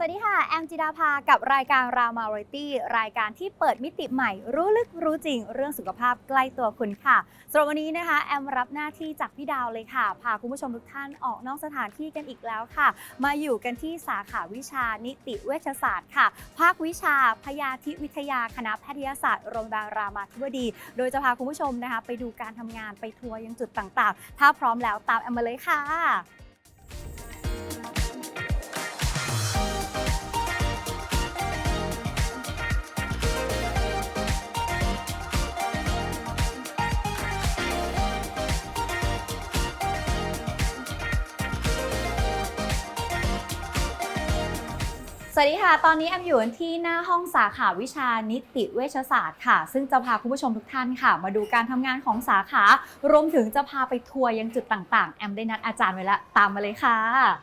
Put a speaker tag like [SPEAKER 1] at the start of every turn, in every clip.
[SPEAKER 1] วัสดีค่ะแอมจิดาภากับรายการราวมาไรตี้รายการที่เปิดมิติใหม่รู้ลึกรู้จริงเรื่องสุขภาพใกล้ตัวคุณค่ะสำหรับวันนี้นะคะแอมรับหน้าที่จากพี่ดาวเลยค่ะพาคุณผู้ชมทุกท่านออกนอกสถานที่กันอีกแล้วค่ะมาอยู่กันที่สาขาวิชานิติเวชศาสตร์ค่ะภาควิชาพยาธิวิทยาคณะแพทยศาสตร์โรงพยาบาลรามาธิบดีโดยจะพาคุณผู้ชมนะคะไปดูการทำงานไปทัวร์ยังจุดต่างๆถ้าพร้อมแล้วตามแอมมาเลยค่ะสวัสดีค่ะตอนนี้แอมอยู่ที่หน้าห้องสาขาวิชานิติเวชศาสตร์ค่ะซึ่งจะพาคุณผู้ชมทุกท่านค่ะมาดูการทำงานของสาขารวมถึงจะพาไปทัวร์ยังจุดต่างๆแอมได้นัดอาจารย์ไว้แล้วตามมาเลยค่ะ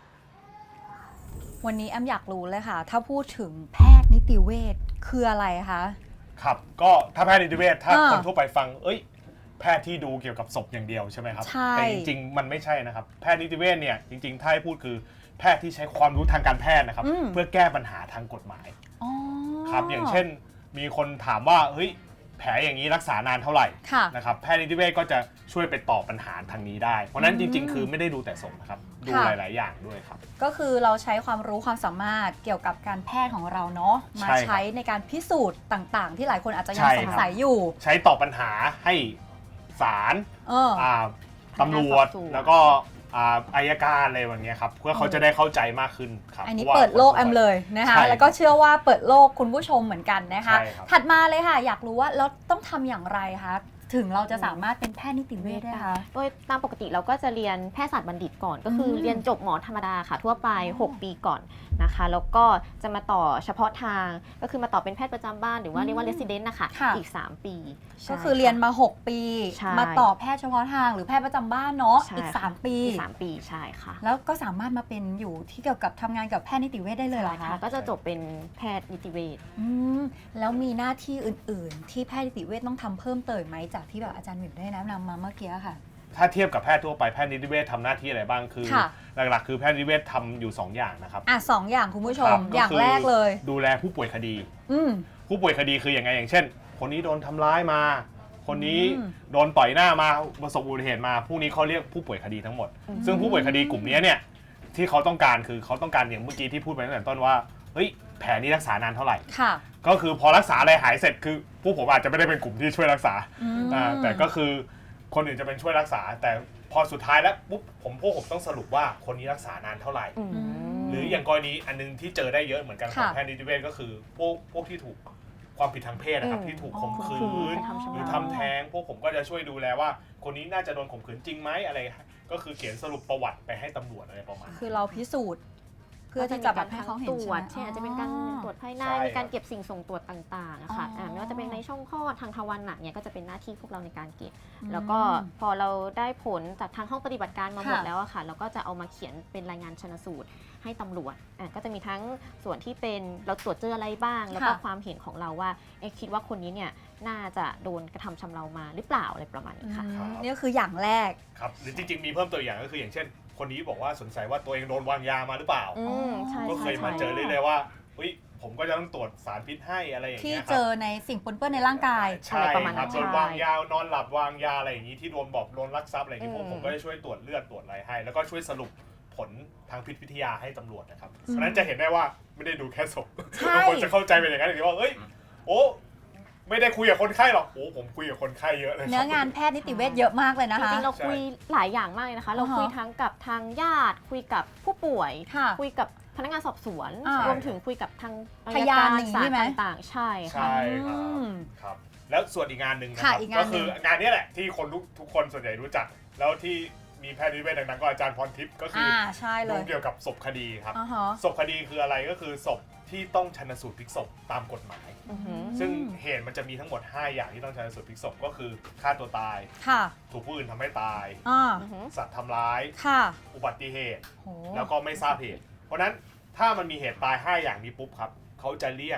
[SPEAKER 1] วันนี้แอมอยากรู้เลยค่ะถ้าพูดถึงแพทย์นิติเวชคืออะไรคะ
[SPEAKER 2] ครับก็ถ้าแพทย์นิติเวชถ้าคนทั่วไปฟังแพทย์ที่ดูเกี่ยวกับศพอย่างเดียวใช่ไหมครับแต่จริงๆมันไม่ใช่นะครับแพทย์นิติเวชเนี่ยจริงๆถ้าให้พูดคือแพทย์ที่ใช้ความรู้ทางการแพทย์นะครับเพื่อแก้ปัญหาทางกฎหมายครับอย่างเช่นมีคนถามว่าแผลอย่างนี้รักษานานเท่าไหร่นะครับแพทย์นิติเวชก็จะช่วยไปตอบปัญหาทางนี้ได้เพราะนั้นจริงๆคือไม่ได้ดูแต่ศพนะครับดูหลายๆอย่างด้วยครับ
[SPEAKER 1] ก็คือเราใช้ความรู้ความสามารถเกี่ยวกับการแพทย์ของเราเนาะมาใช้ในการพิสูจน์ต่างๆที่หลายคนอาจจะยังสงสัยอยู่
[SPEAKER 2] ใช้ตอบปัญหาให้ศาลตำรวจแล้วก็อัยการอะไรแบบนี้ครับเพื่อเขาจะได้เข้าใจมากขึ้นครับ
[SPEAKER 1] อันนี้เปิดโลกแอมเลยนะคะแล้วก็เชื่อว่าเปิดโลกคุณผู้ชมเหมือนกันนะคะถัดมาเลยค่ะอยากรู้ว่าเราต้องทำอย่างไรคะถึงเราจะสามารถเป็นแพทย์นิติเวชได้คะ
[SPEAKER 3] โดยตามปกติเราก็จะเรียนแพทยศาสตร์บัณฑิตก่อนก็คือเรียนจบหมอธรรมดาค่ะทั่วไป6 ปีก่อนนะคะแล้วก็จะมาต่อเฉพาะทางก็คือมาต่อเป็นแพทย์ประจำบ้านหรือว่าเรียกว่า resident นะคะอีก3 ปี
[SPEAKER 1] ก็คือเรียนมา6 ปีมาต่อแพทย์เฉพาะทางหรือแพทย์ประจำบ้านเนาะอีก3 ปี
[SPEAKER 3] ใช่ค่ะ
[SPEAKER 1] แล้วก็สามารถมาเป็นอยู่ที่เกี่ยวกับทำงานกับแพทย์นิติเวชได้เลยเหรอคะ
[SPEAKER 3] ก็จะจบเป็นแพทย์นิติเวช
[SPEAKER 1] แล้วมีหน้าที่อื่นๆที่แพทย์นิติเวชต้องทำเพิ่มเติมไหมจากที่แบบอาจารย์หมิวได้แนะนำมาเมื่อกี้ค่ะ
[SPEAKER 2] ถ้าเทียบกับแพทย์ทั่วไปแพทย์นิติเวชทำหน้าที่อะไรบ้างคือหลักๆคือแพทย์นิติเวชทำอยู่2 อย่างนะครับ
[SPEAKER 1] 2 อย่างคุณผู้ชมอย่างแรกเลย
[SPEAKER 2] ดูแลผู้ป่วยคดีผู้ป่วยคดีคืออย่างไงอย่างเช่นคนนี้โดนทำร้ายมาคนนี้โดนต่อยหน้ามาประสบอุบัติเหตุมาพวกนี้เขาเรียกผู้ป่วยคดีทั้งหมดซึ่งผู้ป่วยคดีกลุ่มนี้เนี่ยที่เขาต้องการคือเขาต้องการอย่างเมื่อกี้ที่พูดไปตั้งแต่ต้นว่าแผลนี้รักษานานเท่าไหร่ก็คือพอรักษาอะไรหายเสร็จคือพวกผมอาจจะไม่ได้เป็นกลุ่มที่ช่วยรักษาแต่ก็คือคนอื่นจะเป็นช่วยรักษาแต่พอสุดท้ายแล้วปุ๊บพวกผมต้องสรุปว่าคนนี้รักษานานเท่าไหร่หรืออย่างกรณีอันนึงที่เจอได้เยอะเหมือนกันของแพทย์นิติเวชก็คือพวกที่ถูกความผิดทางเพศนะครับที่ถูกข่มขืนหรือทำแท้งพวกผมก็จะช่วยดูแลว่าคนนี้น่าจะโดนข่มขืนจริงไหมอะไรก็คือเขียนสรุปประวัติไปให้ตำรวจอะไรประมาณ
[SPEAKER 1] คือเราพิสูจน์เพื่อที่จะแบบให้เขาเห็น
[SPEAKER 3] ใช่อาจจะเป็นการตรวจภายในมีการเก็บสิ่งส่งตรวจต่างๆค่ะไม่ว่าจะเป็นในช่องคลอดทางทวารหนักเนี่ยก็จะเป็นหน้าที่พวกเราในการเก็บแล้วก็พอเราได้ผลจากทางห้องปฏิบัติการมาหมดแล้วอะค่ะเราก็จะเอามาเขียนเป็นรายงานชันสูตรให้ตำรวจก็จะมีทั้งส่วนที่เป็นเราตรวจเจออะไรบ้างแล้วก็ความเห็นของเราว่าคิดว่าคนนี้เนี่ยน่าจะโดนกระทำชำเรามาหรือเปล่าอะไรประมาณนี้ค่ะ
[SPEAKER 1] นี่ก็คืออย่างแรก
[SPEAKER 2] ครับหรือจริงๆมีเพิ่มตัวอย่างก็คืออย่างเช่นคนนี้บอกว่าสงสัยว่าตัวเองโดนวางยามาหรือเปล่าก็เคยมาเจอเลยว่าผมก็จะต้องตรวจสารพิษให้อะไรอย่างเงี้ย
[SPEAKER 1] ที่เจอในสิ่งปนเปื้อนในร่างกาย
[SPEAKER 2] ใช่ครับโดนวางยานอนหลับวางยาอะไรอย่างนี้ที่โดนลักทรัพย์อะไรอย่างนี้ผมก็จะช่วยตรวจเลือดตรวจอะไรให้แล้วก็ช่วยสรุปผลทางพิษวิทยาให้ตำรวจนะครับเพราะนั้นจะเห็นได้ว่าไม่ได้ดูแค่ศพบางคนจะเข้าใจเป็นอย่างนั้นว่าไม่ได้คุยกับคนไข้หรอกผมคุยกับคนไข้เยอะเลย
[SPEAKER 1] เนื้องานแพทย์นิติเวชเยอะมากเลยนะคะ
[SPEAKER 3] จริงๆเราคุยหลายอย่างมากเลยนะคะเราคุยทั้งกับทางญาติคุยกับผู้ป่วยคุยกับพนักงานสอบสวนรวมถึงคุยกับทาง
[SPEAKER 1] พยาน
[SPEAKER 3] ต่างๆใช่
[SPEAKER 2] ครับแล้วส่วนอีกงานหนึ่งนะครับก็คืองานนี้แหละที่คนทุกคนส่วนใหญ่รู้จักแล้วที่มีแพทย์นิติเวชดังๆก็อาจารย์พรทิพย์ก็คือดูเกี่ยวกับศพคดีครับศพคดีคืออะไรก็คือศพที่ต้องชันสูตรพลิกศพตามกฎหมายซึ่งเหตุมันจะมีทั้งหมด5อย่างที่ต้องชันสูตรพลิกศพก็คือฆ่าตัวตายถูกผู้อื่นทำให้ตายสัตว์ทำร้ายอุบัติเหตุแล้วก็ไม่ทราบเหตุเพราะนั้นถ้ามันมีเหตุตาย5อย่างนี้ปุ๊บครับเขาจะเรียก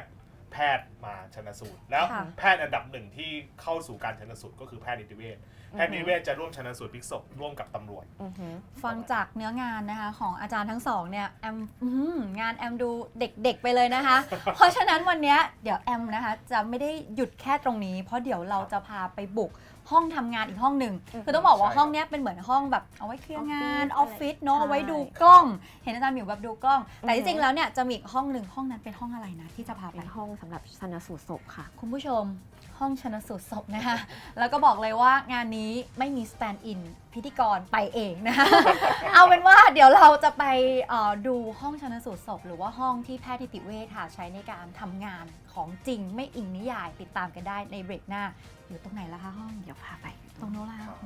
[SPEAKER 2] แพทย์มาชันสูตรแล้ว
[SPEAKER 1] ค่ะ
[SPEAKER 2] แพทย์อันดับหนึ่งที่เข้าสู่การชันสูตรก็คือแพทย์นิติเวชแพทย์นิติเวชจะร่วมชันสูตรพลิกศพร่วมกับตำรวจ
[SPEAKER 1] ฟังจากเนื้องานนะคะของอาจารย์ทั้งสองเนี่ยแอมงานแอมดูเด็กๆไปเลยนะคะ เพราะฉะนั้นวันเนี้ยเดี๋ยวแอมนะคะจะไม่ได้หยุดแค่ตรงนี้ เพราะเดี๋ยวเราจะพาไปบุกห้องทำงานอีกห้องหนึ่งคือต้องบอกว่า
[SPEAKER 2] ใช่
[SPEAKER 1] ห้องเนี้ยเป็นเหมือนห้องแบบเอาไว้เคลียร์งานอ
[SPEAKER 3] อ
[SPEAKER 1] อ
[SPEAKER 3] อ
[SPEAKER 1] ฟ
[SPEAKER 3] ฟฟิ
[SPEAKER 1] ฟิศ
[SPEAKER 3] ศ
[SPEAKER 1] เนาะ
[SPEAKER 3] ใช่
[SPEAKER 1] เอาไว้ดูกล้อง เห็นอาจารย์หมิวแบบดูกล้อง แต่
[SPEAKER 3] อือฮึ
[SPEAKER 1] ที่จริงแล้วเนี่ยจะมีอีกห้องหนึ่งห้องนั้นเป็นห้องอะไรนะที่จะพาไป
[SPEAKER 3] เป็นห้องสำหรับชันสูตรศพค่ะ
[SPEAKER 1] คุณผู้ชมห้องชนสูตรศพนะคะ แล้วก็บอกเลยว่างานนี้ไม่มีสแตนด์อินพิธีกรไปเองนะคะ เอาเป็นว่าเดี๋ยวเราจะไปดูห้องชนสูตรศพหรือว่าห้องที่แพทย์นิติเวชค่ะใช้ในการทำงานของจริงไม่อิงนิยายติดตามกันได้ในเบรกหน้าอยู่ตรงไหนล่ะคะห้อง
[SPEAKER 3] เดี๋ยวพาไป
[SPEAKER 1] ตรงโน้นละ
[SPEAKER 2] ครับ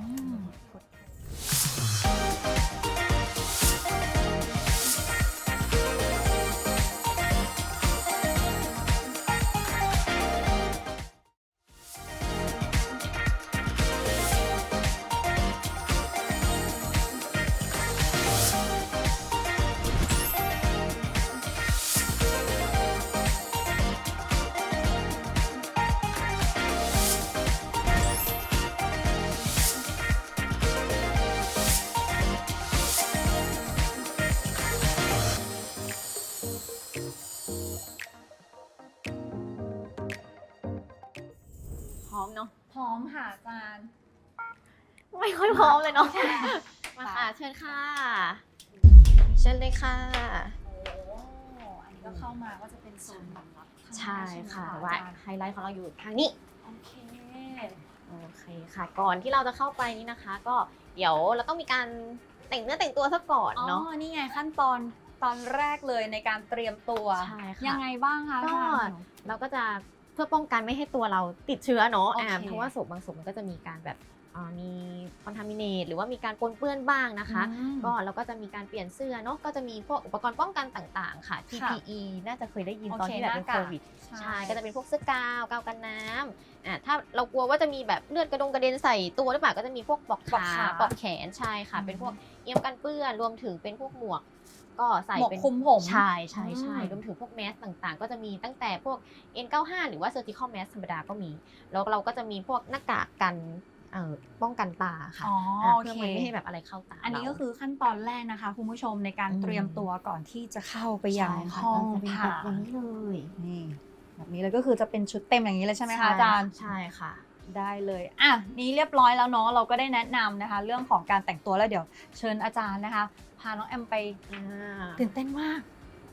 [SPEAKER 3] พร้อมเนาะ
[SPEAKER 1] พร้อมค่ะอาจารย์
[SPEAKER 3] ไม่ค่อยพร้อมเลยเนาะ มาค่ะ เชิญค่ะ เชิญเลยค่ะ
[SPEAKER 1] โอ้อันนี้ก็เข้ามาก็จะเป็นโซนสำหรับข้างหน้า
[SPEAKER 3] ใช่ค่ะ
[SPEAKER 1] ไหม
[SPEAKER 3] แต่ว่า
[SPEAKER 1] อาจารย์
[SPEAKER 3] ไฮไลท์ของเราอยู่ทางนี้
[SPEAKER 1] โอเค
[SPEAKER 3] โอเคค่ะ ก่อนที่เราจะเข้าไปนี้นะคะ ก็เดี๋ยวเราต้องมีการแต่งเนื้อแต่งตัวซะก่อน
[SPEAKER 1] อ๋อ
[SPEAKER 3] เนาะ
[SPEAKER 1] นี่ไงขั้นตอนแรกเลยในการเตรียมตัว
[SPEAKER 3] ใช่ค่ะ
[SPEAKER 1] ยังไงบ้างคะ
[SPEAKER 3] ก็
[SPEAKER 1] อาจารย์
[SPEAKER 3] เราก็จะเพื่อป้องกันไม่ให้ตัวเราติดเชื้อเนาะ
[SPEAKER 1] โอเค
[SPEAKER 3] เพราะว่าศพบางศพมันก็จะมีการแบบมีคอนทามิเนตหรือว่ามีการปนเปื้อนบ้างนะคะ
[SPEAKER 1] อืม
[SPEAKER 3] ก็เราก็จะมีการเปลี่ยนเสื้อเนาะก็จะมีพวกอุปกรณ์ป้องกันต่างๆ ค่ะ PPE น่าจะเคยได้ยินตอนที่แบบเป็นโควิด ใช่ ก็จะเป็นพวกเสื้อกาวกันน้ำถ้าเรากลัวว่าจะมีแบบเลือดกระเด็นใส่ตัวหรือเปล่าก็จะมีพวกปลอก
[SPEAKER 1] ปลอก
[SPEAKER 3] ขา
[SPEAKER 1] ขา
[SPEAKER 3] ปลอกแขนใช่ค่ะ
[SPEAKER 1] อืม
[SPEAKER 3] เป็นพวกเอี่ยมกันเปื้อนรวมถึงเป็นพวกหมวก ก็ใส่
[SPEAKER 1] หมวก
[SPEAKER 3] เป็น
[SPEAKER 1] คลุมผม
[SPEAKER 3] ใช่ร
[SPEAKER 1] อืม
[SPEAKER 3] วมถึงพวกแมสต่างๆ ก็จะมีตั้งแต่พวก N95 หรือว่า surgical mask ธรรมดาก็มี แล้วเราก็จะมีพวกหน้ากากกันป้องกันตาค่ะ
[SPEAKER 1] อ๋อโอ
[SPEAKER 3] เพื่อ
[SPEAKER 1] เค
[SPEAKER 3] มันไม่ให้แบบอะไรเข้าตา
[SPEAKER 1] อันนี้ก็
[SPEAKER 3] เรา
[SPEAKER 1] คือขั้นตอนแรกนะคะคุณผู้ชมในการ
[SPEAKER 3] อืม
[SPEAKER 1] เตรียมตัวก่อนที่จะเข้าไปยัง
[SPEAKER 3] ใช่ค่ะ
[SPEAKER 1] ห้อง
[SPEAKER 3] จะเป็น
[SPEAKER 1] ผ่า
[SPEAKER 3] แบบนี้เลย
[SPEAKER 1] นี่แบบนี้เลยก็คือจะเป็นชุดเต็มอย่างนี้เลยใช่ไหมคะอาจารย์
[SPEAKER 3] ใช่ค่ะ
[SPEAKER 1] ได้เลยอ่ะนี้เรียบร้อยแล้วเนาะเราก็ได้แนะนำนะคะ เรื่องของการแต่งตัวแล้วเดี๋ยวเชิญอาจารย์นะคะ พาน้องแอมไปตื่นเต้นมาก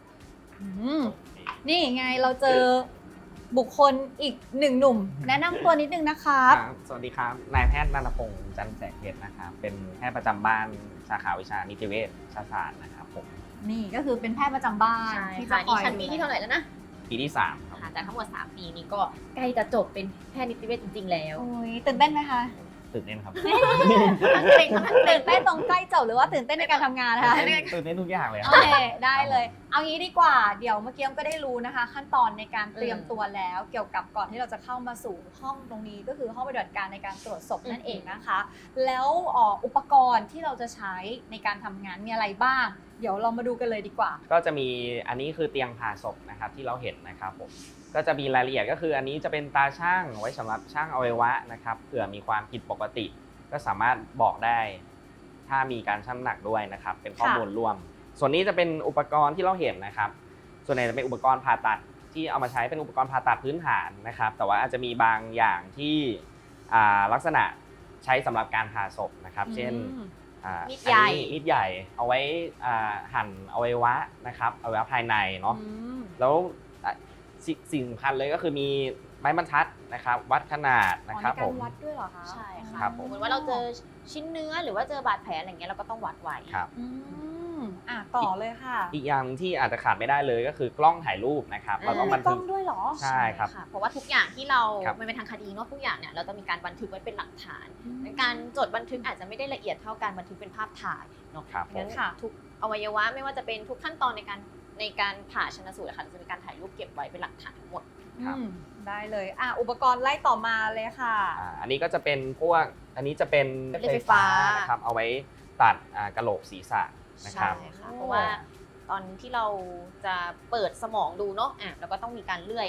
[SPEAKER 1] นี่ไงเราเจอบุคคลอีกหนึ่งหนุ่ม แนะนำตัวนิดนึงนะครับ
[SPEAKER 4] ครับสวัสดีครับ นายแพทย์นันทพงศ์จันทร์แสงเพชรนะครับ เป็นแพทย์ประจำบ้านสาขาวิชานิติเวชศาสตร์นะครับผม
[SPEAKER 1] นี่ก็คือเป็นแพทย์ประจำบ้าน
[SPEAKER 3] ใช่
[SPEAKER 1] ที่จะ
[SPEAKER 3] ค่ะ
[SPEAKER 1] ค
[SPEAKER 3] นี่
[SPEAKER 1] อย
[SPEAKER 3] ชั้นปีที่เท่าไหร่แล้วนะ
[SPEAKER 4] ปีที่ 3 ครับ
[SPEAKER 3] ค่ะจากทั้งหมด 3 ปีนี้ก็ใกล้จะจบเป็นแพทย์นิติเวชจริง ๆ แล้ว
[SPEAKER 1] โอ้ยตื่นเต้นไหมคะ
[SPEAKER 4] ตื่นเต้นครับ
[SPEAKER 3] ทั้งเกรงทั้งเต้
[SPEAKER 1] ตื่
[SPEAKER 3] น
[SPEAKER 1] นเต้นตรงใกล้จบหรือว่าตื่นเต้นในการทำงานนะคะ
[SPEAKER 4] ตื่นเต้นทุกอย่างเลยค
[SPEAKER 1] โอ
[SPEAKER 4] รับ
[SPEAKER 1] เคได้เลย เอางี้ดีกว่า เดี๋ยวเมื่อกี้ก็ได้รู้นะคะ ขั้นตอนในการเตรียมตัวแล้วเกี่ยวกับก่อนที่เราจะเข้ามาสู่ห้องตรงนี้ก็คือห้องปฏิบัติการในการตรวจศพนั่นเองนะคะ แล้วอุปกรณ์ที่เราจะใช้ในการทำงานมีอะไรบ้าง เดี๋ยวเรามาดูกันเลยดีกว่า
[SPEAKER 4] ก็จะมีอันนี้คือเตียงผ่าศพนะครับที่เราเห็นนะครับผม ก็จะมีรายละเอียดก็คืออันนี้จะเป็นตาช่างไว้สำหรับช่างอวัยวะนะครับเผื่อมีความผิดปกติ ก็สามารถบอกได้ถ้ามีการชั่งน้ำหนักด้วยนะครับเป็นข้อมูลรวม ส่วนนี้จะเป็นอุปกรณ์ที่เราเห็นนะครับส่วนใหญ่จะเป็นอุปกรณ์ผ่าตัดที่เอามาใช้เป็นอุปกรณ์ผ่าตัดพื้นฐานนะครับแต่ว่าอาจจะมีบางอย่างที่ลักษณะใช้สำหรับการผ่าศพนะครับเช่น
[SPEAKER 3] มีดใหญ่
[SPEAKER 4] อันนี้มีดใหญ่เอาไว้หั่นอวัยวะนะครับอวัยวะภายในเนาะแล้วสิ่งสำคัญเลยก็คือมีไม้บรรทัดนะครับวัดขนาดนะครับ
[SPEAKER 1] ใน
[SPEAKER 4] ผ
[SPEAKER 1] การ
[SPEAKER 4] ม
[SPEAKER 1] วัดด้วยเหรอคะ
[SPEAKER 3] ใช่
[SPEAKER 1] อ๋อ
[SPEAKER 3] ค่ะ
[SPEAKER 4] ครับผม
[SPEAKER 3] เหมือนว่าเราเจอชิ้นเนื้อหรือว่าเจอบาดแผลอะไรเงี้ยเราก็ต้องวัดไว้
[SPEAKER 4] ครับ
[SPEAKER 1] อืมต่อเลยค่ะ
[SPEAKER 4] อีกอย่างที่อาจจะขาดไม่ได้เลยก็คือกล้องถ่ายรูปนะครับเราต้องบัน
[SPEAKER 1] กล้
[SPEAKER 4] ทึ
[SPEAKER 1] อก งด้วยเหรอ
[SPEAKER 4] ใช่ครับ
[SPEAKER 3] ะเพราะว่าทุกอย่างที่เรา
[SPEAKER 4] ครับ
[SPEAKER 3] มันเป็นทางคดีเนาะทุกอย่างเนี่ยเราจะมีการบันทึกไว้เป็นหลักฐาน การจดบันทึกอาจจะไม่ได้ละเอียดเท่าการบันทึกเป็นภาพถ่ายเนาะ
[SPEAKER 4] ครับผม
[SPEAKER 3] งั้นทุกอวัยวะไม่ว่าจะเป็นทุกขั้นตอนในการผ่าชันสูตรค่ะจะมีการถ่ายรูปเก็บไว้เป็นหลักฐานทั้งหมด
[SPEAKER 4] ครับ
[SPEAKER 1] ได้เลยอุปกรณ์ไล่ต่อมาเลยค่ะ
[SPEAKER 4] อันนี้ก็จะเป็นพวกอันนี้จะเป็น
[SPEAKER 3] เลื่อยไฟฟ้า
[SPEAKER 4] นะครับเอาไว้ตัดกะโหลกศีรษะนะครับ
[SPEAKER 3] ใช่ค่ะเพราะว่าตอนที่เราจะเปิดสมองดูเนาะเราก็ต้องมีการเลื่อย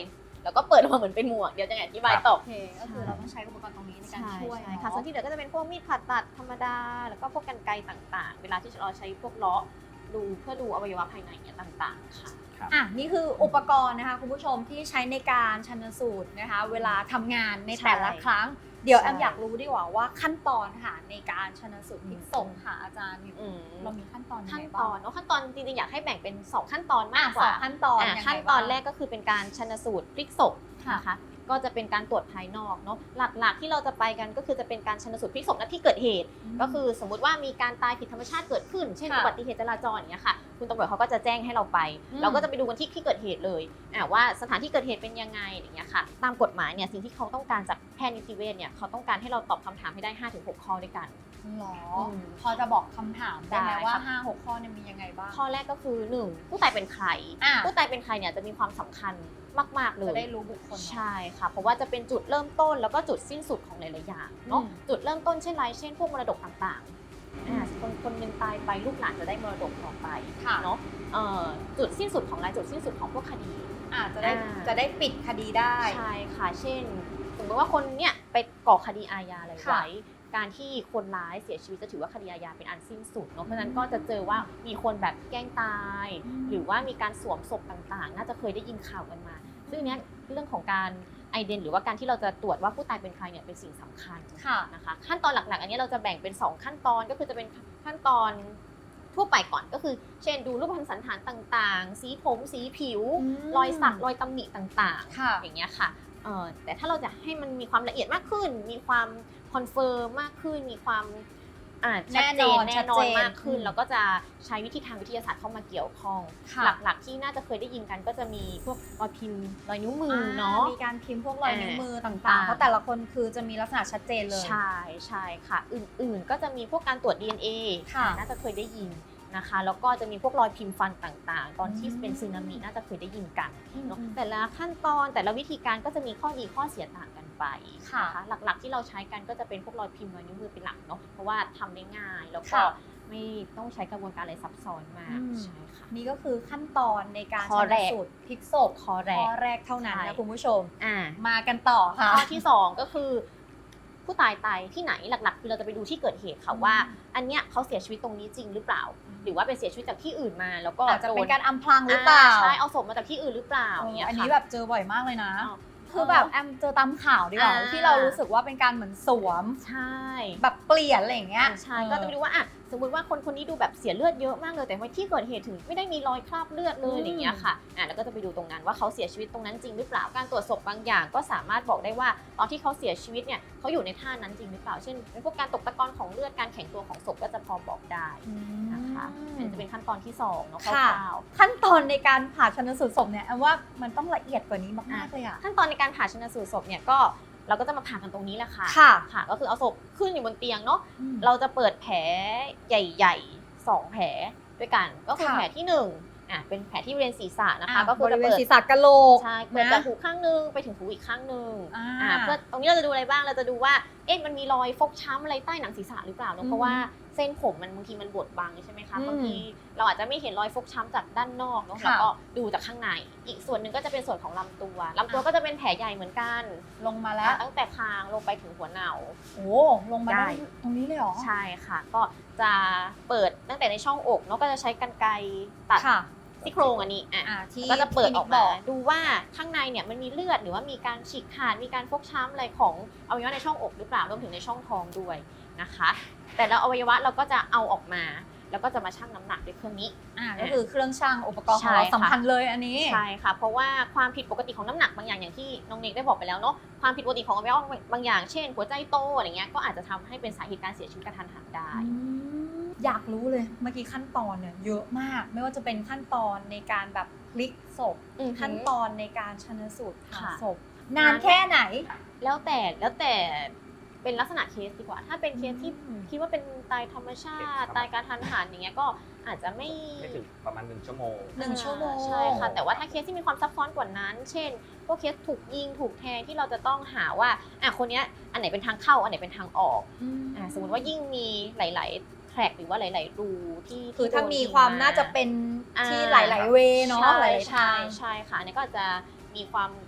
[SPEAKER 3] แล้วก็เปิดออกมาเหมือนเป็นหมวกเดี๋ยวจะอธิบายต่อ
[SPEAKER 1] โอเคก็คือเราต้องใช้อุปกรณ์ตรงนี้ในการ
[SPEAKER 3] ใช่
[SPEAKER 1] ช่วย
[SPEAKER 3] ใช่
[SPEAKER 1] เนาะ
[SPEAKER 3] ค่ะส่วนที่เหลือก็จะเป็นพวกมีดผ่าตัดธรรมดา แล้วก็พวกกรรไกรต่างๆ เวลาที่เราใช้พวกเลาะดูเพื่อดูอวัยวะภายในเนี่ยต่างๆค่ะ
[SPEAKER 1] อ่ะนี่คืออุปกรณ์นะคะคุณผู้ชมที่ใช้ในการชันสูตรนะคะ เวลาทำงานในแต่ละครั้ง เดี๋ยวแอมอยากรู้ดีกว่าว่าขั้นตอนค่ะในการชันสูตรพลิกศพค่ะอาจารย์เรามีขั้นตอนยัง
[SPEAKER 3] ขั้น
[SPEAKER 1] ไง
[SPEAKER 3] ต
[SPEAKER 1] บ้า
[SPEAKER 3] อง นขั้นตอนจริงๆอยากให้แบ่งเป็น 2 ขั้นตอนมากก
[SPEAKER 1] สอ
[SPEAKER 3] ว่า
[SPEAKER 1] งขั้นตอนยังไง
[SPEAKER 3] ขั้นตอน
[SPEAKER 1] บ้าง
[SPEAKER 3] แรกก็คือเป็นการชันสูตรพลิกศพ
[SPEAKER 1] ค่ะ
[SPEAKER 3] นะคะก็จะเป็นการตรวจภายนอกเนาะหลักๆที่เราจะไปกันก็คือจะเป็นการชันสูตรพลิกศพณที่เกิดเหตุ ก็คือสมมุติว่ามีการตายผิดธรรมชาติเกิดขึ้น เช่น
[SPEAKER 1] ค่ะ
[SPEAKER 3] อุบัติเหตุจราจรอย่างเงี้ยค่ะคุณตำรวจเขาก็จะแจ้งให้เราไป เราก็จะไปดูกันที่เกิดเหตุเลยว่าสถานที่เกิดเหตุเป็นยังไงอย่างเงี้ยค่ะตามกฎหมายเนี่ยสิ่งที่เขาต้องการจากแพทย์นิติเวชเนี่ยเขาต้องการให้เราตอบคำถามให้ได้ 5-6 ข้อด้วยกัน
[SPEAKER 1] หรอ
[SPEAKER 3] อืม
[SPEAKER 1] พอจะบอกคำถามได้ไหม
[SPEAKER 3] ได้
[SPEAKER 1] ว่า
[SPEAKER 3] ค่ะ
[SPEAKER 1] 5-6 ข้อเนี่ยมียังไงบ้าง
[SPEAKER 3] ข้อแรกก็คือ 1. ผู้ตายเป็นใคร
[SPEAKER 1] อ่ะ
[SPEAKER 3] ผู้ตายเป็นใครเนี่ยจะมีความสำคัญมากๆเล
[SPEAKER 1] จะ
[SPEAKER 3] ย
[SPEAKER 1] ได้รู้บุคคลเนอะ
[SPEAKER 3] ใช่ค่ะ เพราะว่าจะเป็นจุดเริ่มต้นแล้วก็จุดสิ้นสุดของหลายๆอย่างเนาะ
[SPEAKER 1] อืม
[SPEAKER 3] จุดเริ่มต้นเช่นไรเช่นพวกมรดกต่างๆคนหนึ่งตายไปลูกหลานจะได้มรดกต่อไป
[SPEAKER 1] ค่ะ
[SPEAKER 3] เนาะจุดสิ้นสุดของจุดสิ้นสุดของพวกคดี
[SPEAKER 1] จะได้
[SPEAKER 3] อ่า
[SPEAKER 1] จะได้ปิดคดีได้
[SPEAKER 3] ใช่ค่ะ เช่นสมมติว่าคนเนี่ยไปก่อคดีอาญาอะไร
[SPEAKER 1] ค่ะ
[SPEAKER 3] ไว้ การที่คนร้ายเสียชีวิตจะถือว่าคดีอาญาเป็นอันสิ้นสุดเนาะ เพราะฉะนั้นก็จะเจอว่ามีคนแบบแกล้งตาย หรือว่ามีการสวมศพต่างๆ น่าจะเคยได้ยินข่าวกันมา ซึ่งเนี้ยเรื่องของการไอเดนหรือว่าการที่เราจะตรวจว่าผู้ตายเป็นใครเนี่ยเป็นสิ่งสำคัญ
[SPEAKER 1] ค่ะ
[SPEAKER 3] นะคะ ขั้นตอนหลักๆ อันนี้เราจะแบ่งเป็น 2 ขั้นตอนก็คือจะเป็นขั้นตอนทั่วไปก่อนก็คือ เช่นดูรูปพรรณสันฐานต่างๆ สีผมสีผิว รอยสักรอยตำหนิต่างๆ
[SPEAKER 1] ค่ะ
[SPEAKER 3] อย่างเงี้ยค่ะแต่ถ้าเราจะให้มันมีความละเอียดมากขึ้น มีความคอนเฟิร์มมากขึ้น มีความชัดเจน
[SPEAKER 1] แน่
[SPEAKER 3] แน่
[SPEAKER 1] น
[SPEAKER 3] น
[SPEAKER 1] อ
[SPEAKER 3] อน นมากขึ้น
[SPEAKER 1] อืม
[SPEAKER 3] เราก็จะใช้วิธีทางวิทยาศาสตร์เข้ามาเกี่ยวข้อง
[SPEAKER 1] ค่ะ
[SPEAKER 3] หลักๆที่น่าจะเคยได้ยินกันก็จะมีพวกรอยพิมพ์รอยนิ้วมือเนาะ
[SPEAKER 1] มีการพิมพ์พวกรอยนิ้วมือต่างๆ
[SPEAKER 3] อ่า
[SPEAKER 1] เพราะแต่ละคนคือจะมีลักษณะชัดเจนเลย
[SPEAKER 3] ใช่ค่ะ อื่นๆ ก็จะมีพวกการตรวจ DNA
[SPEAKER 1] ค่ะ
[SPEAKER 3] น่าจะเคยได้ยินนะคะ แล้วก็จะมีพวกรอยพิมพ์ฟันต่างๆ ตอนที่เป็นสึนามิน่าจะเคยได้ยินกันเนาะแต่ละขั้นตอนแต่ละวิธีการก็จะมีข้อดีข้อเสียต่างกันไป
[SPEAKER 1] ค่ะ
[SPEAKER 3] นะคะหลักๆที่เราใช้กันก็จะเป็นพวกรอยพิมพ์รอยนิ้วมือเป็นหลักเนาะเพราะว่าทำได้ง่ายแล้วก็
[SPEAKER 1] ค่ะ
[SPEAKER 3] ไม่ต้องใช้กระบวนการอะไรซับซ้อนมาก
[SPEAKER 1] อืม
[SPEAKER 3] ใช่ค่ะ
[SPEAKER 1] นี่ก็คือขั้นตอนในการ
[SPEAKER 3] ข้อ
[SPEAKER 1] ชัน
[SPEAKER 3] แรก
[SPEAKER 1] สูตรพลิกศพ
[SPEAKER 3] ข้อแรก
[SPEAKER 1] ข้อแรกเท่านั้น
[SPEAKER 3] ใช่
[SPEAKER 1] นะคุณผู้ชม
[SPEAKER 3] อ่า
[SPEAKER 1] มากันต่อค่ะ
[SPEAKER 3] ข้อที่ 2 ก็คือผู้ตายตายที่ไหนหลักๆคือเราจะไปดูที่เกิดเหตุค่ะว่า อันเนี้ยเขาเสียชีวิตตรงนี้จริงหรือเปล่า หรือว่าเป็นเสียชีวิตจากที่อื่นมา แล้วก็
[SPEAKER 1] อาจจะ
[SPEAKER 3] โด
[SPEAKER 1] เป็นการอำพรางหรือเปล่า
[SPEAKER 3] ใช่เอาศพมาจากที่อื่นหรือเปล่าอย่างเงี้ย
[SPEAKER 1] อัน
[SPEAKER 3] ค่ะ
[SPEAKER 1] นี้แบบเจอบ่อยมากเลยนะ
[SPEAKER 3] อ้าว
[SPEAKER 1] คือแบบแอมเจอตามข่าวดีกว่า
[SPEAKER 3] อ่า
[SPEAKER 1] ที่เรารู้สึกว่าเป็นการเหมือนสวม
[SPEAKER 3] ใช่
[SPEAKER 1] แบบเปลี่ยนอะไรอย่างเงี้ย
[SPEAKER 3] ใช่ก็จะไปดูว่าอ่ะสมมติว่าคนนี้ดูแบบเสียเลือดเยอะมากเลยแต่ว่าที่เกิดเหตุถึงไม่ได้มีรอยคราบเลือดเลยอย่างเงี้ยค่ะแล้วก็จะไปดูตรงนั้นว่าเขาเสียชีวิตตรงนั้นจริงหรือเปล่าการตรวจศพบางอย่างก็สามารถบอกได้ว่าตอนที่เขาเสียชีวิตเนี่ยเขาอยู่ในท่านั้นจริงหรือเปล่าเช่นเป็นพวกการตกตะกอนของเลือดการแข็งตัวของศพก็จะพอบอกได้นะคะอันนี้จะเป็นขั้นตอนที่2เนาะค
[SPEAKER 1] ค่ะ
[SPEAKER 3] ร่าว
[SPEAKER 1] ขั้นตอนในการผ่าชันสูตรศพเนี่ยแอมว่ามันต้องละเอียดกว่านี้มากๆเลยอะ
[SPEAKER 3] ๆขั้นตอนในการผ่าชันสูตรศพเนี่ยก็เราก็จะมาผ่ากันตรงนี้แหละค่ะ
[SPEAKER 1] ค่ะ
[SPEAKER 3] ค่ะก็คือเอาศพขึ้นอยู่บนเตียงเนาะ เราจะเปิดแผลใหญ่ๆ2แผลด้วยกัน ก็คือ
[SPEAKER 1] ค่ะ
[SPEAKER 3] แผลที่1เป็นแผลที่บริเวณศีรษะนะคะ ก็
[SPEAKER 1] ก็
[SPEAKER 3] คื
[SPEAKER 1] คือ อ
[SPEAKER 3] จะ
[SPEAKER 1] จะ
[SPEAKER 3] เปิ
[SPEAKER 1] เปิ
[SPEAKER 3] ด
[SPEAKER 1] ดศีรษะกะโหลก
[SPEAKER 3] ใช่เปิดจากหูข้างนึงไปถึงหูอีกข้างนึง
[SPEAKER 1] อ่า
[SPEAKER 3] เพื่อตรงนี้เราจะดูอะไรบ้างเราจะดูว่ามันมีรอยฟกช้ำอะไรใต้หนังศีรษะหรือเปล่าเน
[SPEAKER 1] อื
[SPEAKER 3] อะ
[SPEAKER 1] ม
[SPEAKER 3] เพราะว่าเส้นผมมันบางทีมันบดบังใช่ไหมคะ
[SPEAKER 1] อืม
[SPEAKER 3] บางทีเราอาจจะไม่เห็นรอยฟกช้ำจากด้านนอกเนาะ
[SPEAKER 1] ค่ะ
[SPEAKER 3] เราก็ดูจากข้างในอีกส่วนหนึ่งก็จะเป็นส่วนของลำตัวก็จะเป็นแผลใหญ่เหมือนกัน
[SPEAKER 1] ลงมาแล้ว
[SPEAKER 3] ตั้งแต่คางลงไปถึงหัวเน่า
[SPEAKER 1] โอ้ลงมาได้ตรงนี้เลยเหรอ
[SPEAKER 3] ใช่ค่ะ ก็จะเปิดตั้งแต่ในช่องอกเนาะก็จะใช้กรรไกรตัด
[SPEAKER 1] ค่ะ
[SPEAKER 3] ซี่โครงอันนี้
[SPEAKER 1] ที่
[SPEAKER 3] ก็จะเปิดออก
[SPEAKER 1] บ
[SPEAKER 3] มาดูว่าข้างในเนี่ยมันมีเลือดหรือว่ามีการฉีกขาดมีการฟกช้ำอะไรของอวัยวะในช่องอกหรือเปล่ารวมถึงในช่องท้องด้วยนะคะ แต่ละอวัยวะเราก็จะเอาออกมา แล้วก็จะมาชั่งน้ำหนักด้วยเครื่องนี้
[SPEAKER 1] ก็คือเครื่องชั่งอุปกรณ์ของเรา
[SPEAKER 3] ใช่ค่ะ
[SPEAKER 1] สำคัญเลยอันนี้
[SPEAKER 3] ใช่ค่ะ เพราะว่าความผิดปกติของน้ำหนักบางอย่างอย่างที่น้องเนกได้บอกไปแล้วเนาะความผิดปกติของอวัยวะบางอย่างเช่นหัวใจโตอะไรเงี้ยก็อาจจะทำให้เป็นสาเหตุการเสียชีวิตกระทันหันได้
[SPEAKER 1] อยากรู้เลยเมื่อกี้ขั้นตอนเนี่ยเยอะมาก ไม่ว่าจะเป็นขั้นตอนในการแบบพลิกศพ ขั้นตอนในการชันสูตรผ่า
[SPEAKER 3] ค่ะ
[SPEAKER 1] ศพนานแค่ไหน
[SPEAKER 3] แล้วแต่เป็นลักษณะเคสดีกว่า ถ้าเป็นเคสที่คิดว่าเป็นตายธรรมชาติ ตายกระทันหันอย่างเงี้ยก็อาจจะไม่
[SPEAKER 4] ถึงประมาณ1 ชั่วโมง
[SPEAKER 1] 1 ชั่วโมง
[SPEAKER 3] ใช่ค่ะ แต่ว่าถ้าเคสที่มีความซับซ้อนกว่านั้น เช่น พวกเคสถูกยิงถูกแทงที่เราจะต้องหาว่าคนเนี้ยอันไหนเป็นทางเข้าอันไหนเป็นทางออกสมมติว่ายิ่งมีหลายๆแทร็กหรือว่าหลาย ๆ รูที่
[SPEAKER 1] คือถ้า
[SPEAKER 3] โดน
[SPEAKER 1] มี
[SPEAKER 3] ยิง
[SPEAKER 1] ความน่าจะเป็นที่หลาย ๆ เวเนาะหลายๆทาง
[SPEAKER 3] ใช่ค่ะอันนี้ก็จะมีความ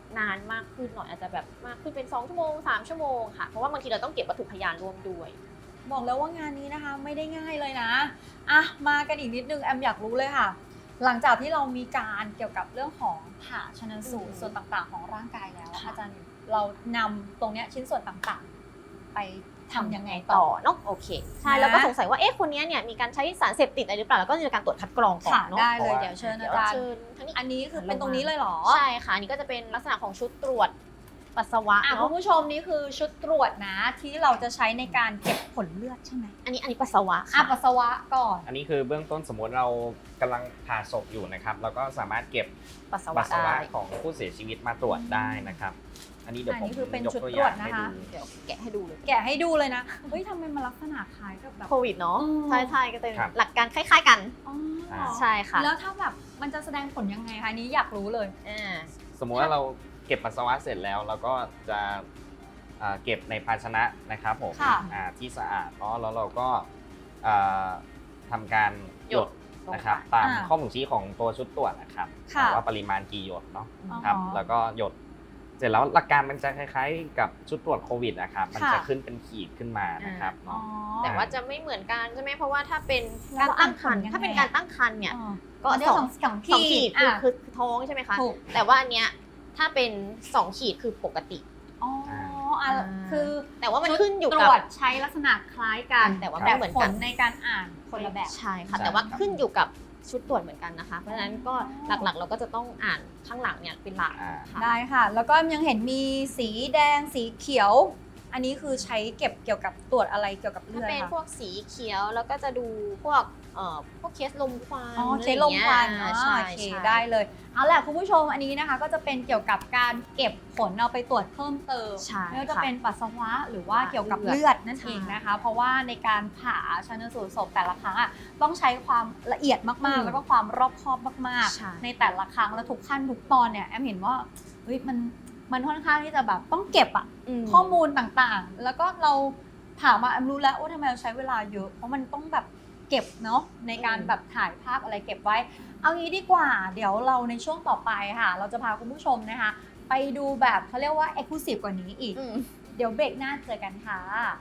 [SPEAKER 3] นานมากขึ้นหน่อยอาจจะแบบมากขึ้นเป็น2 ชั่วโมง 3 ชั่วโมงค่ะเพราะว่าบางทีเราต้องเก็บวัตถุพยานร่วมด้วย
[SPEAKER 1] บอกแล้วว่างานนี้นะคะไม่ได้ง่ายเลยนะอ่ะมากันอีกนิดนึงแอมอยากรู้เลยค่ะ หลังจากที่เรามีการเกี่ยวกับเรื่องของผ่าชันสูตรส่วนต่างๆ ของร่างกายแล้ว
[SPEAKER 3] ค่ะ
[SPEAKER 1] อาจารย์เรานำตรงเนี้ยชิ้นส่วนต่างๆ ไปทำยังไงต่
[SPEAKER 3] ต่
[SPEAKER 1] อ
[SPEAKER 3] อเนาะโอเคใช่
[SPEAKER 1] นะ
[SPEAKER 3] แล้วก็สงสัยว่าเอ๊ะคนนี้เนี่ยมีการใช้สารเสพติดอะไรหรือเปล่าแล้วก็จะมีการตรวจคัดกรองก่อน
[SPEAKER 1] ค่ะ
[SPEAKER 3] เนาะ
[SPEAKER 1] ได้เลย
[SPEAKER 2] เพราะว่า
[SPEAKER 1] เดี๋ยวเชิญ
[SPEAKER 3] เดี๋
[SPEAKER 1] อา
[SPEAKER 3] ยว
[SPEAKER 1] จารย์
[SPEAKER 3] เชิญทั้งนี้
[SPEAKER 1] อันนี้คือเป็นตรงนี้เลยเหรอ
[SPEAKER 3] ใช่ค่ะอันนี้ก็จะเป็นลักษณะของชุดตรวจปัสสาวะ
[SPEAKER 1] อ่ะคุ
[SPEAKER 3] เนาะ
[SPEAKER 1] ณผู้ชมนี่คือชุดตรวจนะที่เราจะใช้ในการเก็บผลเลือดใช่ไหม
[SPEAKER 3] อันนี้ปัสสาวะ
[SPEAKER 1] อ่ะ
[SPEAKER 3] ค่ะ
[SPEAKER 1] ปัสสาวะก่อน
[SPEAKER 4] อันนี้คือเบื้องต้นสมมติเรากำลังผ่าศพอยู่นะครับเราก็สามารถเก็บ
[SPEAKER 3] ปัสสาวะ
[SPEAKER 4] ปัสสาวะ
[SPEAKER 3] ได้
[SPEAKER 4] ของผู้เสียชีวิตมาตรวจได้นะครับ อันนี้เดี๋ยว
[SPEAKER 1] อัน
[SPEAKER 4] ผม
[SPEAKER 1] นี้คือเป็น
[SPEAKER 4] ยก
[SPEAKER 1] ชุด
[SPEAKER 4] ตัว
[SPEAKER 1] ต
[SPEAKER 4] อ
[SPEAKER 1] รว
[SPEAKER 4] ย่า
[SPEAKER 1] จ
[SPEAKER 4] งให้
[SPEAKER 1] นะคะ
[SPEAKER 4] ดู
[SPEAKER 3] เดี๋ยวแกะให้ดูเลย
[SPEAKER 1] แกะให้ดูเลยนะเฮ้ยทำไมมันลักษณะคล้ายกับแบบ
[SPEAKER 3] โควิดเนาะ
[SPEAKER 1] อืม
[SPEAKER 3] ใช่ใช่ก็จะเป็น
[SPEAKER 4] ครับ
[SPEAKER 3] หลักการคล้ายๆกัน
[SPEAKER 1] อ๋อ
[SPEAKER 3] ใช่ค่ะ
[SPEAKER 1] แล้วถ้าแบบมันจะแสดงผลยังไงคะอันนี้อยากรู้เลย
[SPEAKER 4] สมมุติว่าเราเก็บปัสสาวะเสร็จแล้วเราก็จะเก็บในภาชนะนะครับผม
[SPEAKER 1] ค่ะ
[SPEAKER 4] ที่สะอาดเนาะแล้วเราก็อ่าทำการหยดนะครับ
[SPEAKER 3] ลงไป
[SPEAKER 4] ตาม
[SPEAKER 1] อ่า
[SPEAKER 4] ข้อบ่งชี้ของตัวชุดตรวจนะครับ
[SPEAKER 1] ค่ะ
[SPEAKER 4] ว่าปริมาณกี่หยดเนาะ
[SPEAKER 1] อ๋อ
[SPEAKER 4] ครับแล้วก็หยดเสร็จแล้วหลักการมันจะคล้ายๆ กับชุดตรวจโควิดนะครับมันจะ
[SPEAKER 1] ค่ะ
[SPEAKER 4] ขึ้นเป็นขีดขึ้นมานะครับ
[SPEAKER 1] อ๋อ
[SPEAKER 4] เนาะ
[SPEAKER 3] แต่ว่าจะไม่เหมือนกันใช่ไหมเพราะว่าถ้าเป็น
[SPEAKER 1] แล้
[SPEAKER 3] กาว รตั้งครรภ์
[SPEAKER 1] อ่านผลยังไง
[SPEAKER 3] ถ้าเป็นการตั้งครรภ์เนี่ย
[SPEAKER 1] อ๋อ
[SPEAKER 3] ก็
[SPEAKER 1] อันนี้สอง
[SPEAKER 3] สองขีด
[SPEAKER 1] อ่ะ
[SPEAKER 3] คือท้องใช่ไหมคะ
[SPEAKER 1] ถูก
[SPEAKER 3] แต่ว่าอันเนี้ยถ้าเป็น2 ขีดคือปกติ
[SPEAKER 1] อ๋ออ่ะคือ
[SPEAKER 3] แต่ว่ามันขึ้นอยู่
[SPEAKER 1] ตร
[SPEAKER 3] กับ
[SPEAKER 1] วจใช้ลักษณะคล้ายกัน
[SPEAKER 3] แต่ว่า
[SPEAKER 1] แต่
[SPEAKER 3] ไม่เหมือน
[SPEAKER 1] ผ
[SPEAKER 3] กั
[SPEAKER 1] ล
[SPEAKER 3] น
[SPEAKER 1] ในการอ่านคนละแบบ
[SPEAKER 3] ใช่ค่ะ
[SPEAKER 4] ใช่
[SPEAKER 3] แต่ว่า
[SPEAKER 4] ครับ
[SPEAKER 3] ขึ้นอยู่กับชุดตรวจเหมือนกันนะคะ เพราะฉะนั้นก็
[SPEAKER 1] อ๋อ
[SPEAKER 3] หลักๆ เราก็จะต้องอ่านข้างหลังเนี่ยเป็นหลัก
[SPEAKER 4] อ่า
[SPEAKER 3] ค่ะ
[SPEAKER 1] ได้ค่ะ แล้วก็ยังเห็นมีสีแดงสีเขียว อันนี้คือใช้เก็บเกี่ยวกับตรวจอะไรเกี่ยวกับเลื
[SPEAKER 3] ถ้า
[SPEAKER 1] อด
[SPEAKER 3] เป็นพ
[SPEAKER 1] คะ
[SPEAKER 3] วกสีเขียวแล้วก็จะดูพวกเคสลมควัน
[SPEAKER 1] อ๋อเคสลมควัน
[SPEAKER 3] อะไร
[SPEAKER 1] อ๋อ
[SPEAKER 3] อย่างเงี้ยใช่
[SPEAKER 1] โอเค
[SPEAKER 3] ใช่
[SPEAKER 1] ได้เลยเอาแหละคุณผู้ชมอันนี้นะคะ ก็จะเป็นเกี่ยวกับการเก็บผลเอาไปตรวจเพิ่มเติม
[SPEAKER 3] ใช่
[SPEAKER 1] ไม่ว่าจะ
[SPEAKER 3] ค่ะ
[SPEAKER 1] เป็นปัสสาวะหรือว่าเกี่ยวกับ
[SPEAKER 3] เลือด
[SPEAKER 1] เลือดนั่น
[SPEAKER 3] ใช่
[SPEAKER 1] เองนะคะ เพราะว่าในการผ่าชันสูตรศพแต่ละครั้งอ่ะต้องใช้ความละเอียดมากๆ แล้วก็ความรอบคอบมาก
[SPEAKER 3] ใช่
[SPEAKER 1] ๆ ในแต่ละครั้งและทุกขั้นทุกตอนเนี่ยแอมเห็นว่าเฮ้ยมันค่อนข้างที่จะแบบต้องเก็บอะ ข้อมูลต่างๆ แล้วก็เราผ่ามาแอมรู้แล้วว่าทำไมเราใช้เวลาเยอะ เพราะมันต้องแบบเก็บเนาะในการแบบถ่ายภาพอะไรเก็บไว้ เอางี้ดีกว่า เดี๋ยวเราในช่วงต่อไปค่ะ เราจะพาคุณผู้ชมนะคะ ไปดูแบบเขาเรียกว่า exclusive กว่านี้อีก เดี๋ยวเบรกหน้าเจอกันค่ะ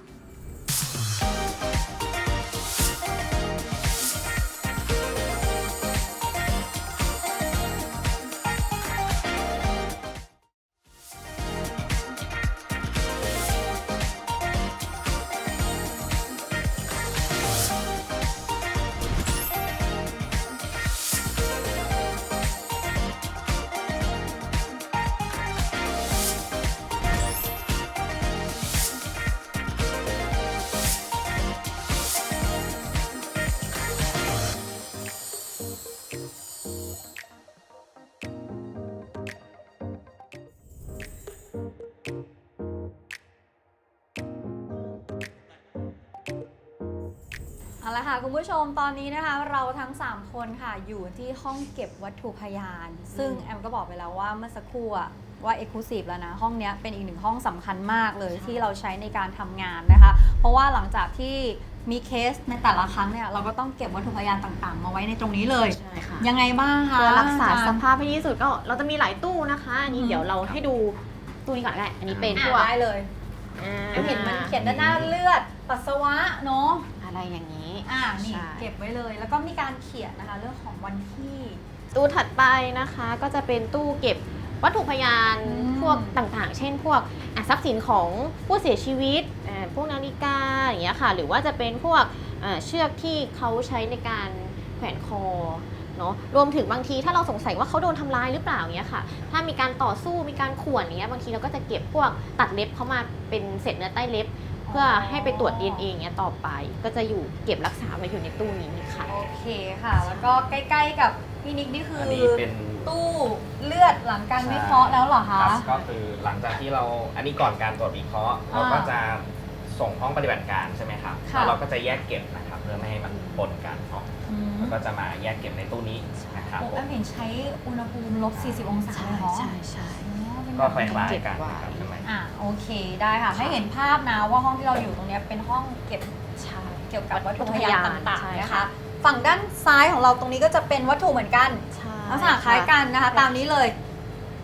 [SPEAKER 1] เอาละค่ะคุณผู้ชมตอนนี้นะคะ เราทั้ง 3 คนค่ะอยู่ที่ห้องเก็บวัตถุพยาน ซึ่งแอมก็บอกไปแล้วว่าเมื่อสักครู่อะว่า Exclusive แล้วนะห้องเนี้ยเป็นอีกหนึ่งห้องสำคัญมากเลย
[SPEAKER 3] ใช่
[SPEAKER 1] ที่เราใช้ในการทำงานนะคะ เพราะว่าหลังจากที่มีเคสในแต่ละครั้งเนี่ยเราก็ต้องเก็บวัตถุพยานต่างๆ มาไว้ในตรงนี้เลย
[SPEAKER 3] ใช่ค่ะ
[SPEAKER 1] ยังไงบ้างคะ
[SPEAKER 3] เพื่อรักษา
[SPEAKER 1] อจ
[SPEAKER 3] ส
[SPEAKER 1] รย์
[SPEAKER 3] ภาพให้ดีที่สุดก็เราจะมีหลายตู้นะคะอันนี้
[SPEAKER 1] อืม
[SPEAKER 3] เดี๋ยวเราให้ดูตู้นี้ก่อนก็ได้อันนี้เป็นพ
[SPEAKER 1] อ่ะ
[SPEAKER 3] วก
[SPEAKER 1] ได้เลยแอมเห็นมันเขียนด้านหน้าเลือดปัสสาวะเนาะ
[SPEAKER 3] อะไรอย่างนี้
[SPEAKER 1] นี่
[SPEAKER 3] ใช่
[SPEAKER 1] เก็บไว้เลย แล้วก็มีการเขียนนะคะเรื่องของวันที่
[SPEAKER 3] ตู้ถัดไปนะคะก็จะเป็นตู้เก็บวัตถุพยาน
[SPEAKER 1] อืม
[SPEAKER 3] พวกต่างๆ เช่น พวกทรัพย์สินของผู้เสียชีวิตพวกนาฬิกาอย่างเงี้ยค่ะหรือว่าจะเป็นพวกเชือกที่เขาใช้ในการแขวนคอเนาะรวมถึงบางทีถ้าเราสงสัยว่าเขาโดนทำร้ายหรือเปล่าเงี้ยค่ะถ้ามีการต่อสู้มีการข่วนอย่างเงี้ยบางทีเราก็จะเก็บพวกตัดเล็บเข้ามาเป็นเศษเนื้อใต้เล็บ เพื่อให้ไปตรวจ DNA อย่างเงี้ยต่อไป ก็จะอยู่เก็บรักษาไว้อยู่ในตู้นี้ค่ะ
[SPEAKER 1] โอเคค่ะ แล้วก็ใกล้ๆกับพี่นิกนี่คือ
[SPEAKER 4] อันนี้เป็น
[SPEAKER 1] ตู้เลือดหลังการวิเคราะห์แล้วเหรอคะ
[SPEAKER 4] ครับก็คือหลังจากที่เราอันนี้ก่อนการตรวจวิเคราะห์เราก็จะส่งห้องปฏิบัติการใช่ไหมครับ
[SPEAKER 1] ค่ะ
[SPEAKER 4] แล้วเราก็จะแยกเก็บนะครับเพื่อไม่ให้มันปนกันเนาะ
[SPEAKER 1] อืม
[SPEAKER 4] แล้วก็จะมาแยกเก็บในตู้นี้นะครับ
[SPEAKER 1] โอ้
[SPEAKER 4] ผ
[SPEAKER 1] แอ
[SPEAKER 4] ม
[SPEAKER 1] มเห็นใช้อุณหภูมิลบ 40 องศาเลยเหรอ
[SPEAKER 3] ใช่ใช่
[SPEAKER 1] อ๋อเป็น
[SPEAKER 4] ก็
[SPEAKER 1] แบบ
[SPEAKER 4] คล้าย
[SPEAKER 3] เก็บ
[SPEAKER 4] ๆกัน
[SPEAKER 3] ไว้
[SPEAKER 4] นะครับข้างใน
[SPEAKER 1] โอเคได้ค่ะ ให้เห็นภาพนะว่าห้องที่เราอยู่ตรงเนี้ยเป็นห้องเก็บ
[SPEAKER 3] ใช่
[SPEAKER 1] เกี่ยวกับวัตถุพยานต่าง
[SPEAKER 3] ใช่
[SPEAKER 1] ๆนะคะ
[SPEAKER 3] ค่ะ
[SPEAKER 1] ฝั่งด้านซ้ายของเราตรงนี้ก็จะเป็นวัตถุเหมือนกัน
[SPEAKER 3] ใช่
[SPEAKER 1] ลักษณะคล้ายกันนะคะ ตามนี้เลย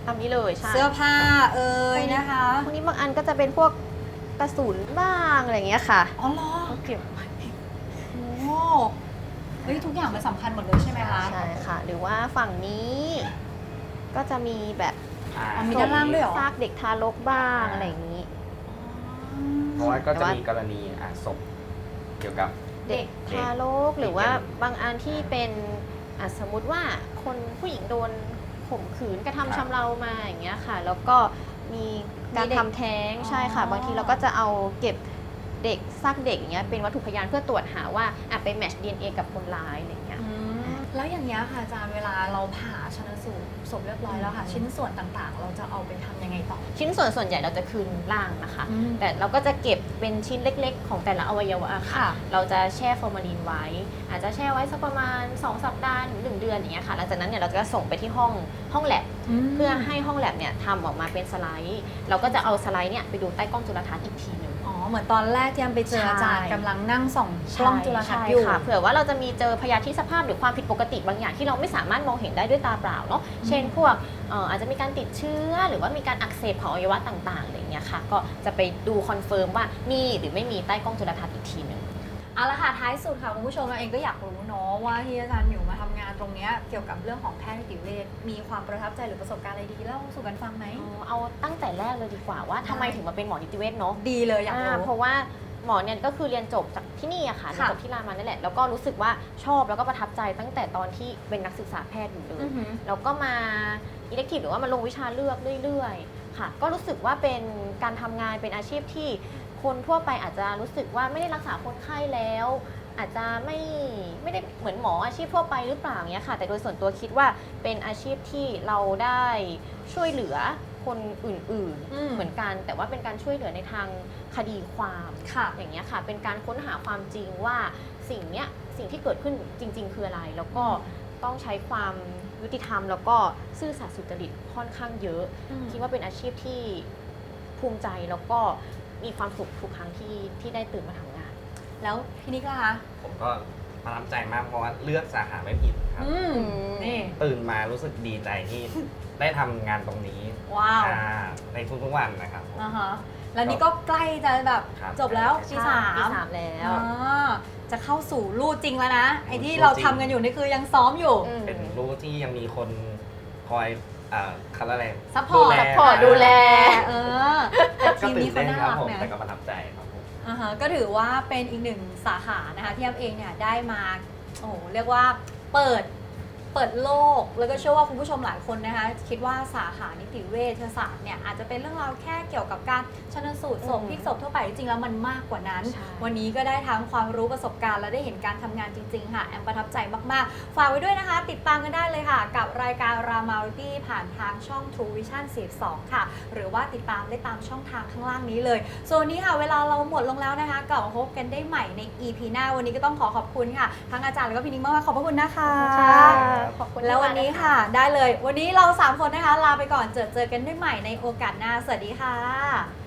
[SPEAKER 3] ตามนี้เลยใช่
[SPEAKER 1] เสื้อผ้าเอ่ยนะคะ
[SPEAKER 3] พวกนี้บางอันก็จะเป็นพวกกระสุนบ้างอะไรอย่างเงี้ยค่ะ
[SPEAKER 1] อ๋อเหรอ
[SPEAKER 3] ก็เก็บไว้
[SPEAKER 1] โอ้เฮ้ยทุกอย่างมันสำคัญหมดเลยใช่ไหมคะ
[SPEAKER 3] ใช่ค่ะ หรือว่าฝั่งนี้ก็จะมีแบบ
[SPEAKER 1] อ๋อมีด้านล่างด้วยเหรอ
[SPEAKER 3] ซากเด็กทารกบ้างอะไรอย่างนี้
[SPEAKER 4] เพราะว่าก็จะมีกรณีศพเกี่ยวกับ
[SPEAKER 3] เด็กทารกหรือว่าบางอันที่เป็นสมมุติว่าคนผู้หญิงโดนข่มขืนกระทำชำเรามาอย่างเงี้ยค่ะ แล้วก็มีการทำแท้งใช่ค่ะ บางทีเราก็จะเอาเก็บเด็กซากเด็กอย่างเงี้ยเป็นวัตถุพยานเพื่อตรวจหาว่าไปแมทช์ DNA กับคนร้ายอะไรอย่างเงี้ย
[SPEAKER 1] แล้วอย่างนี้ยค่ะอาจารย์เวลาเราผ่าชันสูตรศพเรียบร้อยแล้วค่ะ ชิ้นส่วนต่างๆ เราจะเอาไปทำยังไงต่อ
[SPEAKER 3] ชิ้นส่วนใหญ่เราจะคืนร่างนะคะ
[SPEAKER 1] อืม
[SPEAKER 3] แต่เราก็จะเก็บเป็นชิ้นเล็กๆ ของแต่ละอวัยวะค่ะ
[SPEAKER 1] ค่ะ
[SPEAKER 3] เราจะแช่ฟอร์มาลีนไว้ อาจจะแช่ไว้สักประมาณ2 สัปดาห์ถึง1 เดือนอย่างเงี้ยค่ะ หลังจากนั้นเนี่ยเราจะส่งไปที่ห้องแลบเพื่อให้ห้องแลบเนี่ยทำออกมาเป็นสไลด์ เราก็จะเอาสไลด์เนี่ยไปดูใต้กล้องจุลทรรศน์อีกทีหนึง
[SPEAKER 1] อ๋อเหมือนตอนแรกที่แอมไปเจออาจารย์
[SPEAKER 3] ใช่
[SPEAKER 1] กำลังนั่งส่องกล้องจุลทรรศน์อยู่
[SPEAKER 3] ใช่ค่ะเผื่อว่าเราจะมีเจอพยาธิสภาพหรือความผิดปกติบางอย่างที่เราไม่สามารถมองเห็นได้ด้วยตาเปล่าเนาะเช่นพวกอาจจะมีการติดเชื้อหรือว่ามีการอักเสบของอวัยวะต่างๆอะไรอย่างเงี้ยค่ะก็จะไปดูคอนเฟิร์มว่ามีหรือไม่มีใต้กล้องจุลทรรศน์อีกทีหนึ่ง
[SPEAKER 1] เอาละค่ะท้ายสุดค่ะคุณผู้ชมเราเองก็อยากรู้เนาะว่าที่อาจารย์หมิวมาทำงานตรงเนี้ยเกี่ยวกับเรื่องของแพทย์นิติเวชมีความประทับใจหรือประสบการณ์อะไรดีเล่าสู่กันฟังไหม
[SPEAKER 3] เอาตั้งแต่แรกเลยดีกว่าว่าทำไมถึงมาเป็นหมอนิติเวชเนาะ
[SPEAKER 1] ดีเลยอยากรู้
[SPEAKER 3] เพราะว่าหมอเนี่ยก็คือเรียนจบจากที่นี่อะค่ะเรียนจบที่รามานั่นแหละแล้วก็รู้สึกว่าชอบแล้วก็ประทับใจตั้งแต่ตอนที่เป็นนักศึกษาแพทย์อยู่เลย
[SPEAKER 1] อือหือ
[SPEAKER 3] แล้วก็มาอิเล็กทีฟหรือว่ามาลงวิชาเลือกเรื่อยๆค่ะก็รู้สึกว่าเป็นการทำงานเป็นอาชีพที่คนทั่วไปอาจจะรู้สึกว่าไม่ได้รักษาคนไข้แล้ว อาจจะไม่ได้เหมือนหมออาชีพทั่วไปหรือเปล่าเนี้ยค่ะแต่โดยส่วนตัวคิดว่าเป็นอาชีพที่เราได้ช่วยเหลือคนอื่น
[SPEAKER 1] อืม
[SPEAKER 3] ๆเหมือนกัน แต่ว่าเป็นการช่วยเหลือในทางคดีความ
[SPEAKER 1] ค่ะ
[SPEAKER 3] อย่างเงี้ยค่ะเป็นการค้นหาความจริงว่าสิ่งที่เกิดขึ้นจริง ๆ คืออะไร แล้วก็ต้องใช้ความยุติธรรม แล้วก็ซื่อสัตย์สุจริตค่อนข้างเยอะ คิดว่าเป็นอาชีพที่ภูมิใจแล้วก็มีความสุขทุกครั้งที่ได้ตื่นมาทำงาน
[SPEAKER 1] แล้วพี่นิกล่ะคะ
[SPEAKER 4] ผมก็ประทับใจมากเพราะว่าเลือกสาขาไม่ผิดครับ
[SPEAKER 1] นี่
[SPEAKER 4] ตื่นมารู้สึกดีใจที่ได้ทำงานตรงนี้
[SPEAKER 1] ว้าว
[SPEAKER 4] ในทุกๆวันนะครับผม
[SPEAKER 1] อ่าฮะแล้วนี่ก็ใกล้จะแบบ
[SPEAKER 4] ครับ
[SPEAKER 1] จบแล้วปีสาม
[SPEAKER 3] ปีสามแล้ว
[SPEAKER 1] อ่าจะเข้าสู่ลู่จริงแล้วนะ ไอ้ที่
[SPEAKER 4] ลู่
[SPEAKER 1] เรา
[SPEAKER 4] จริง
[SPEAKER 1] ทำกันอยู่นี่คือยังซ้อมอยู่
[SPEAKER 4] เป็นรู้ที่ยังมีคนคอยคันอะไร
[SPEAKER 1] ซัพพอร์ต
[SPEAKER 3] ดูแล
[SPEAKER 1] เออแต่
[SPEAKER 4] ก็
[SPEAKER 1] ทีม
[SPEAKER 4] ตื่
[SPEAKER 1] นี้
[SPEAKER 4] น
[SPEAKER 1] เขา
[SPEAKER 4] เต้น
[SPEAKER 1] น่า
[SPEAKER 4] ครับ
[SPEAKER 1] รัก
[SPEAKER 4] ผม
[SPEAKER 1] นะ
[SPEAKER 4] แต่ก็ประทับใจครับผม
[SPEAKER 1] อ่าฮะก็ถือว่าเป็นอีกหนึ่งสาขานะคะที่แอมเองเนี่ยได้มาโอ้โหเรียกว่าเปิดโลกแล้วก็เชื่อว่าคุณผู้ชมหลายคนนะคะคิดว่าสาขานิติเวชศาสตร์เนี่ยอาจจะเป็นเรื่องราวแค่เกี่ยวกับการชันสูตรศพพลิกศพทั่วไปจริงๆแล้วมันมากกว่านั้น
[SPEAKER 3] ใช่
[SPEAKER 1] วันนี้ก็ได้ทั้งความรู้ประสบการณ์และได้เห็นการทำงานจริงๆค่ะแอมประทับใจมากๆฝากไว้ด้วยนะคะ ติดตามกันได้เลยค่ะ กับรายการ Ramality ผ่านทางช่อง True Vision 42ค่ะหรือว่าติดตามได้ตามช่องทางข้างล่างนี้เลยส่วนวันนี้ค่ะเวลาเราหมดลงแล้วนะคะกลับมาพบกันได้ใหม่ใน EP หน้าวันนี้ก็ต้องขอบคุณค่ะทั้งอาจารย์แล้วก็พี่นิ้งมากๆขอบพระคุณนะคะ
[SPEAKER 3] ขอบคุณ
[SPEAKER 1] แล้ววันนี้ค่ะได้เลยวันนี้เรา3คนนะคะลาไปก่อนเจอกันได้ใหม่ในโอกาสหน้าสวัสดีค่ะ